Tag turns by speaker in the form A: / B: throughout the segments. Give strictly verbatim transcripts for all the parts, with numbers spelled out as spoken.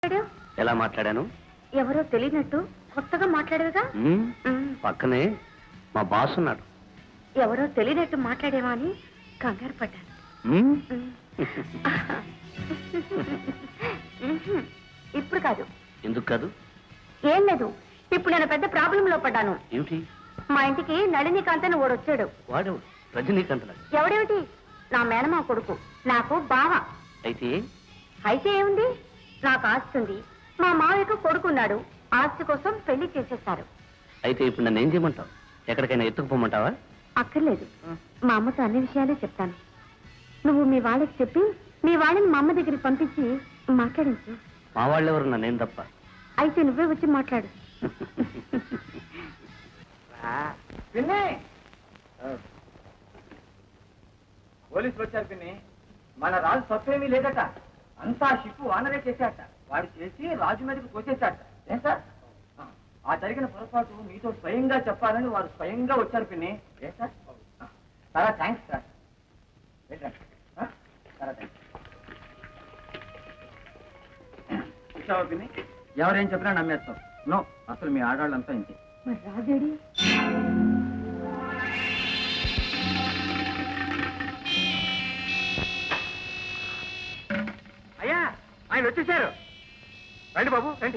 A: ఎలా మాట్లాడాను?
B: ఎవరో తెలియనట్టు కొత్తగా మాట్లాడేవిగా.
A: పక్కనే మా బాస్ ఉన్నాడు.
B: ఎవరో తెలియనట్టు మాట్లాడేవా అని కంగారు పడ్డాను. ఇప్పుడు కాదు.
A: ఎందుకు కాదు?
B: ఏం లేదు, ఇప్పుడు నేను పెద్ద ప్రాబ్లం లో పడ్డాను.
A: ఏమిటి?
B: మా ఇంటికి నళినీకాంత్ అని ఓడు వచ్చాడు.
A: వాడు రజనీకాంత్?
B: ఎవడేమిటి, నా మేనమా కొడుకు, నాకు బావ.
A: అయితే
B: అయితే ఏముంది, నాకు ఆస్తి ఉంది, మా మావయ్యకు కొడుకున్నాడు, ఆస్తి కోసం పెళ్లి చేసేస్తారు.
A: అయితే ఇప్పుడు నన్ను ఏం చేయమంటావు? ఎక్కడికైనా ఎత్తుకుపోమంటావా?
B: అక్కర్లేదు, మా అమ్మతో అన్ని విషయాలే చెప్తాను. నువ్వు మీ వాళ్ళకి చెప్పి మీ వాళ్ళని మా అమ్మ దగ్గరికి పంపించి మాట్లాడించు.
A: మా వాళ్ళెవరు, నన్నేం తప్ప.
B: అయితే నువ్వే వచ్చి మాట్లాడు.
C: పోలీసులు వచ్చారు పిన్ని. మన రాజు తప్పేమీ లేదట, అంతా షిప్పు వానరే చేశాట. వాడు చేసి రాజు మీదకి తోచేశాట. ఏం సార్, ఆ జరిగిన పొరపాటు మీతో స్వయంగా చెప్పాలని వారు స్వయంగా వచ్చారు పిన్ని. ఏ సార్, చాలా థ్యాంక్స్ సార్. చాలా థ్యాంక్స్. చూసావా పిన్ని, ఎవరేం చెప్పినా నమ్మేస్తాం. నో, అసలు మీ ఆడవాళ్ళంతా ఇంతే.
B: మరి రాజేడి?
C: అయ్యా, ఆయన వచ్చేసారు. రండి బాబు, రండి.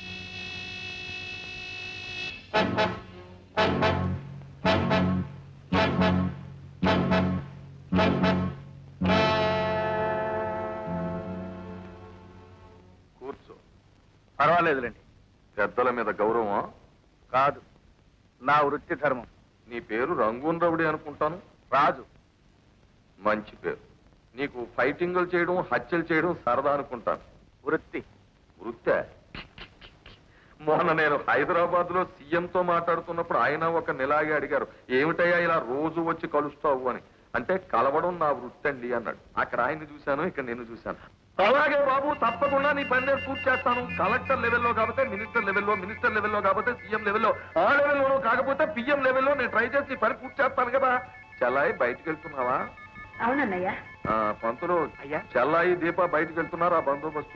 D: కూర్చో.
E: పర్వాలేదులేండి.
D: పెద్దల మీద గౌరవం
E: కాదు, నా వృత్తి ధర్మం.
D: నీ పేరు రంగూన్ రవుడి అనుకుంటాను.
E: రాజు.
D: మంచి పేరు. నీకు ఫైటింగులు చేయడం, హత్యలు చేయడం సరదా అనుకుంటాను.
E: వృత్తి.
D: వృత్తే? మొన్న నేను హైదరాబాద్ లో సీఎంతో మాట్లాడుతున్నప్పుడు ఆయన ఒక నెలాగే అడిగారు, ఏమిటయ్యా ఇలా రోజు వచ్చి కలుస్తావు అని. అంటే కలవడం నా వృత్తి అండి అన్నాడు. అక్కడ ఆయన్ని చూశాను, ఇక్కడ నేను చూశాను. అలాగే బాబు, తప్పకుండా నీ పని నేను పూర్తి చేస్తాను. కలెక్టర్ లెవెల్లో కాకపోతే మినిస్టర్ లెవెల్లో, మినిస్టర్ లెవెల్లో కాకపోతే సీఎం లెవెల్లో, ఆ లెవెల్లోనూ కాకపోతే పిఎం లెవెల్లో నేను ట్రై చేసి పని పూర్తి చేస్తాను కదా. చెల్లాయి బయటికి వెళ్తున్నావా?
B: అవునన్నయ్యా.
D: పంతులు, చెల్లాయి దీప బయటికి వెళ్తున్నారు, ఆ బందోబస్తు.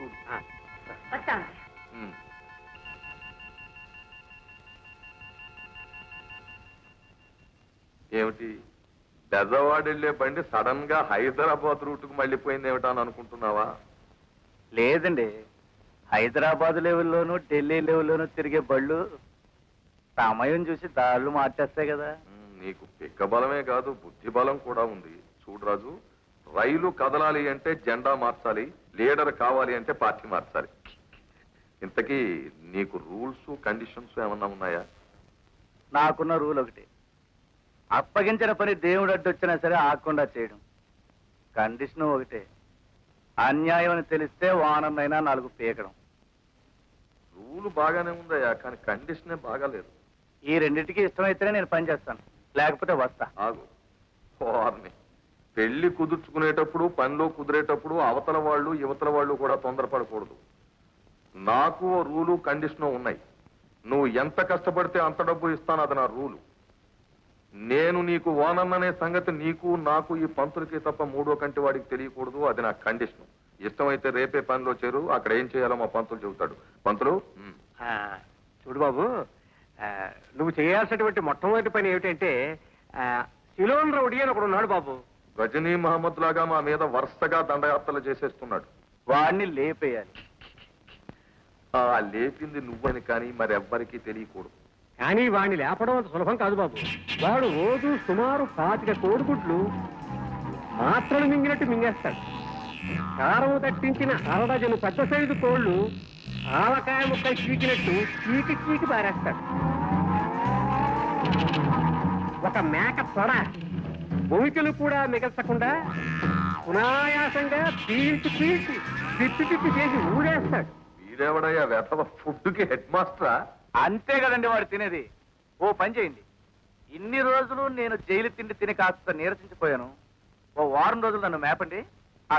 D: ఏమిటి, బెజవాడ వెళ్లే బండి సడన్ గా హైదరాబాద్ రూట్ కు మళ్ళీపోయింది ఏమిటా అని అనుకుంటున్నావా?
E: లేదండి, హైదరాబాద్ లెవెల్లోనూ ఢిల్లీ లెవెల్లోనూ తిరిగే బళ్ళు సమయం చూసి దాళ్ళు మార్చేస్తాయి కదా.
D: నీకు పిక్క బలమే కాదు, బుద్ధి బలం కూడా ఉంది. చూడు రాజు, రైలు కదలాలి అంటే జెండా మార్చాలి, లీడర్ కావాలి అంటే పార్టీ మార్చాలి. ఇంతకీ నీకు రూల్స్ కండిషన్స్ ఏమన్నా ఉన్నాయా?
E: నాకున్న రూల్ ఒకటి, అప్పగించిన పని దేవుడు అడ్డొచ్చినా సరే ఆగకుండా చేయడం. కండిషన్ ఒకటే, అన్యాయం అని తెలిస్తే వానమైనా నాలుగు పీకడం.
D: రూల్ బాగానే ఉందయ్యా, కానీ కండిషనే బాగాలేదు.
E: ఈ రెండింటికి ఇష్టమైతేనే నేను పని చేస్తాను, లేకపోతే వస్తా.
D: ఆగు. వారిని పెళ్లి కుదుర్చుకునేటప్పుడు, పనిలో కుదిరేటప్పుడు అవతల వాళ్ళు యువతల వాళ్ళు కూడా తొందరపడకూడదు. నాకు రూలు కండిషను ఉన్నాయి. నువ్వు ఎంత కష్టపడితే అంత డబ్బు ఇస్తాను, అది నా రూలు. నేను నీకు ఓనన్ననే సంగతి నీకు నాకు ఈ పంతులకి తప్ప మూడో కంటి వాడికి తెలియకూడదు, అది నా కండిషన్. ఇష్టమైతే రేపే పనిలో చేరు, అక్కడ ఏం చేయాలో మా పంతులు చెబుతాడు. పంతులు,
C: చూడు బాబు, నువ్వు చేయాల్సినటువంటి మొట్టమొదటి పని ఏమిటంటే, సిలోన్ రౌడీ అని ఒకడు ఉన్నాడు బాబు.
D: గజనీ మహమ్మద్ లాగా మా మీద వరుసగా దండయాత్రలు చేసేస్తున్నాడు.
E: వాడిని లేపేయాలి.
D: ఆ లేపింది నువ్వని కానీ మరెవ్వరికీ తెలియకూడదు.
C: కానీ వాడిని లేపడం అంత సులభం కాదు బాబు. వాడు రోజు సుమారు పాతిక కోడిగుడ్లు మాత్రలు మింగినట్టు మింగేస్తాడు. కారం తట్టించిన అరడజను పెద్ద సైజు కోళ్లు ఆవకాయ ముక్కలు చీకినట్టు చీకి చీకి పారేస్తాడు. ఒక మేక తొడ భూమికలు కూడా మిగల్చకుండా సునాయాసంగా పీల్చి పీల్చి తిప్పి తిప్పి చేసి ఊడేస్తాడు.
D: వీడెవడయ్యా వెధవ ఫుడ్కి హెడ్ మాస్టరా?
E: అంతే కదండి వాడు తినేది. ఓ పని చేయండి, ఇన్ని రోజులు నేను జైలు తిండి తిని కాస్త నీరసించిపోయాను, ఓ వారం రోజులు నన్ను మేపండి,